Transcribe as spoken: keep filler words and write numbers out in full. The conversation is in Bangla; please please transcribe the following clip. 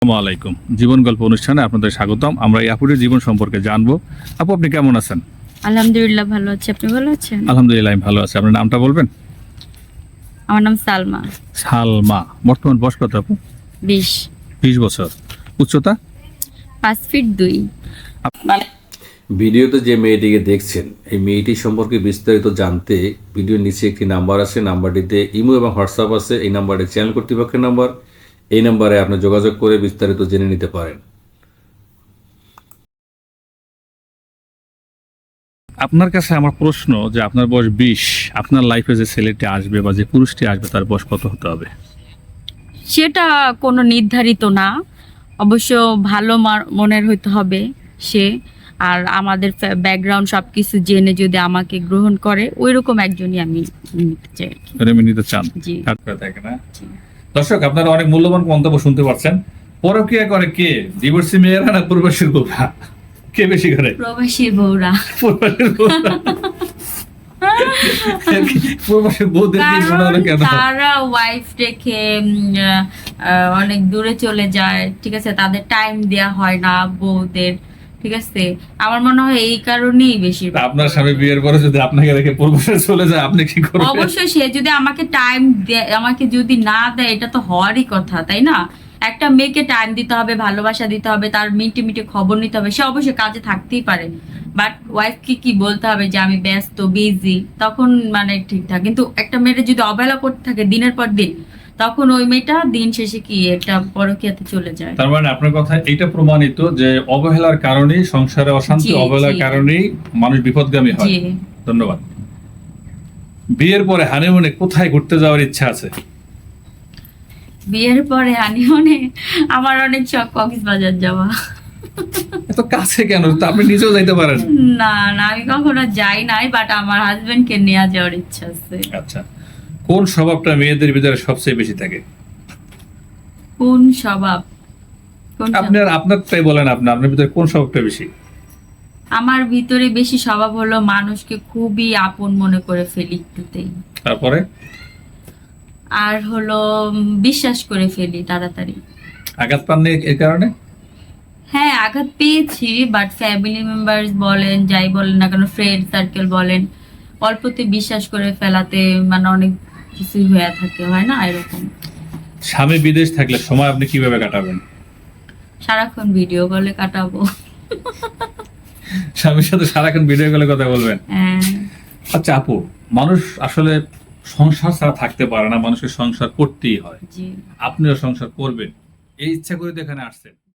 আসসালামু আলাইকুম। জীবন গল্প অনুষ্ঠানে আপনাদের স্বাগতম। আমরা এই আপুর জীবন সম্পর্কে জানবো। আপু, আপনি কেমন আছেন? আলহামদুলিল্লাহ ভালো আছি। আপনি ভালো আছেন? আলহামদুলিল্লাহ, আমি ভালো আছি। আপনার নামটা বলবেন? আমার নাম সালমা। সালমা। বর্তমান বয়স কত আপু? বিশ। বিশ বছর। উচ্চতা? পাঁচ ফিট দুই। ভিডিওতে যে মেয়েটিকে দেখছেন, এই মেয়েটি সম্পর্কে বিস্তারিত জানতে ভিডিওর নিচে একটি নাম্বার আছে, নাম্বারটিতে ইমো এবং হোয়াটসঅ্যাপ আছে। এই নাম্বারটি চ্যানেল কর্তৃপক্ষের নাম্বার। এই নাম্বারে আপনি যোগাযোগ করে বিস্তারিত জেনে নিতে পারেন। আপনার কাছে আমার প্রশ্ন যে আপনার বয়স বিশ, আপনার লাইফে যে ছেলেটি আসবে বা যে পুরুষটি আসবে তার বয়স কত হতে হবে? সেটা কোনো নির্ধারিত না, অবশ্য ভালো মার- মনের হইতে হবে সে, আর আমাদের ব্যাকগ্রাউন্ড সব কিছু জেনে যদি আমাকে গ্রহণ করে ওই রকম একজনই আমি নিতে চাই। প্রেমে নিতে চান? জি। থাকবে থাকে না। দর্শক, আপনারা অনেক মূল্যবান মন্তব্য শুনতে পাচ্ছেন। পরকীয়া করে কে? ডিভোর্সি মেয়েরা না প্রবাসীর বউরা? কে বেশি করে? প্রবাসী বউরা। প্রবাসীর বউরা। প্রবাসী বউদের কি মনে হলো কেন? তারা ওয়াইফ রেখে উম, আহ, আহ, অনেক দূরে চলে যায়, ঠিক আছে, তাদের টাইম দেয়া হয় না বউদের, ঠিক আছে। আমার মনে হয় এই কারণেই বেশি। আপনার স্বামী বিয়ের পরে যদি আপনাকে রেখে প্রবাসে চলে যায়, আপনি কি করবেন? অবশ্যই সে যদি আমাকে টাইম আমাকে যদি না দেয়, এটা তো হওয়ারই কথা, তাই না? একটা মেয়েকে টাইম দিতে হবে, ভালোবাসা দিতে হবে, তার মিনিটে মিনিটে খবর নিতে হবে। সে অবশ্যই কাজে থাকতেই পারে, বাট ওয়াইফকে কি বলতে হবে যে আমি ব্যস্ত, বিজি, তখন মানে ঠিকঠাক। কিন্তু একটা মেয়েটা যদি অবহেলা করতে থাকে দিনের পর দিন, তখন ওই মেয়েটা দিন শেষে কি একটা পরকীয়াতে চলে যায়। তার মানে আপনার কথা এইটা প্রমাণিত যে অবহেলার কারণেই সংসারে অশান্তি, জি, অবহেলার জি। কারণেই মানুষ বিপদগামী হয়। জি। ধন্যবাদ। বিয়ের পরে হানিমুনে কোথায় ঘুরতে যাওয়ার ইচ্ছা আছে? বিয়ের পরে হানিমুনে আমার অনেক শখ কক্সবাজার যাওয়া। এত কাছে কেন? তো আপনি নিজেও যাইতে পারেন। না না, আমি কখনো যাই নাই, বাট আমার হাজবেন্ড কে নিয়ে যাওয়ার ইচ্ছা আছে। আচ্ছা, কোন স্বভাবটা মেয়েদের ভিতরে সবচেয়ে বেশি থাকে? কোন স্বভাব? কোন স্বভাব? আপনার আপনারটাই বলেন, আপনার আপনার ভিতরে কোন স্বভাবটা বেশি? আমার ভিতরে বেশি স্বভাব হলো মানুষকে খুবই আপন মনে করে ফেলি একটুতেই, তারপরে? আর হলো উম, বিশ্বাস করে ফেলি তাড়াতাড়ি। আঘাত পাননি এর কারণে? হ্যাঁ, আঘাত পেয়েছি, বাট ফ্যামিলি মেম্বার্স বলেন, যাই বলেন না কেন, ফ্রেন্ড সার্কেল বলেন, অল্পতে বিশ্বাস করে ফেলাতে মানে অনেক কিছু হয়ে থাকে, হয় না এরকম। স্বামী বিদেশ থাকলে সময় আপনি কিভাবে কাটাবেন? সারাক্ষণ ভিডিও কলে কাটাবো। স্বামীর সাথে সারাক্ষণ ভিডিও কলে কথা বলবেন? হ্যাঁ। আচ্ছা আপু, মানুষ আসলে সংসার ছাড়া থাকতে পারে না, মানুষের সংসার করতেই হয়। জি। আপনিও সংসার করবেন এই ইচ্ছা করে তো এখানে আসছেন।